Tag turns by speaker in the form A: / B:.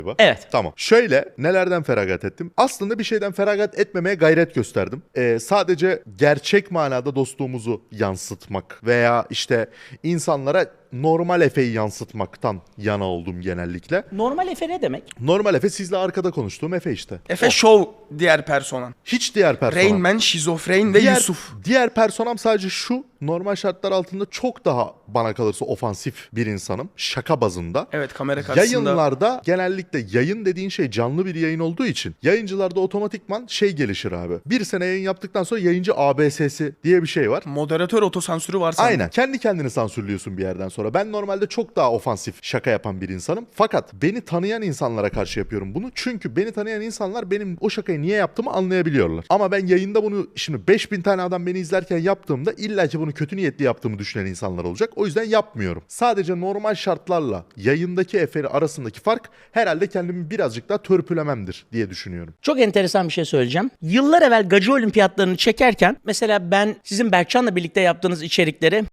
A: Evet.
B: Tamam. Şöyle nelerden feragat ettim? Aslında bir şeyden feragat etmemeye gayret gösterdim. Sadece gerçek manada dostluğumuzu yansıtmak veya işte insanlara normal Efe'yi yansıtmaktan yana oldum genellikle.
A: Normal Efe ne demek?
B: Normal Efe sizle arkada konuştuğum Efe işte.
C: Efe Show diğer personan.
B: Hiç diğer personam.
C: Rain Man, Şizofren ve Yusuf.
B: Diğer personam sadece şu: normal şartlar altında çok daha bana kalırsa ofansif bir insanım. Şaka bazında.
C: Evet, kamera karşısında.
B: Yayınlarda genellikle yayın dediğin şey canlı bir yayın olduğu için yayıncılarda otomatikman şey gelişir abi. Bir sene yayın yaptıktan sonra yayıncı ABS'si diye bir şey var.
C: Moderatör otosansürü var sanırım.
B: Aynen. Kendi kendini sansürlüyorsun bir yerden sonra. Ben normalde çok daha ofansif şaka yapan bir insanım. Fakat beni tanıyan insanlara karşı yapıyorum bunu. Çünkü beni tanıyan insanlar benim o şakayı niye yaptığımı anlayabiliyorlar. Ama ben yayında bunu şimdi 5000 tane adam beni izlerken yaptığımda illaki bunu kötü niyetli yaptığımı düşünen insanlar olacak. O yüzden yapmıyorum. Sadece normal şartlarla yayındaki Efe'nin arasındaki fark herhalde kendimi birazcık daha törpülememdir diye düşünüyorum.
A: Çok enteresan bir şey söyleyeceğim. Yıllar evvel Gacı Olimpiyatlarını çekerken mesela ben sizin Berkcan'la birlikte yaptığınız içerikleri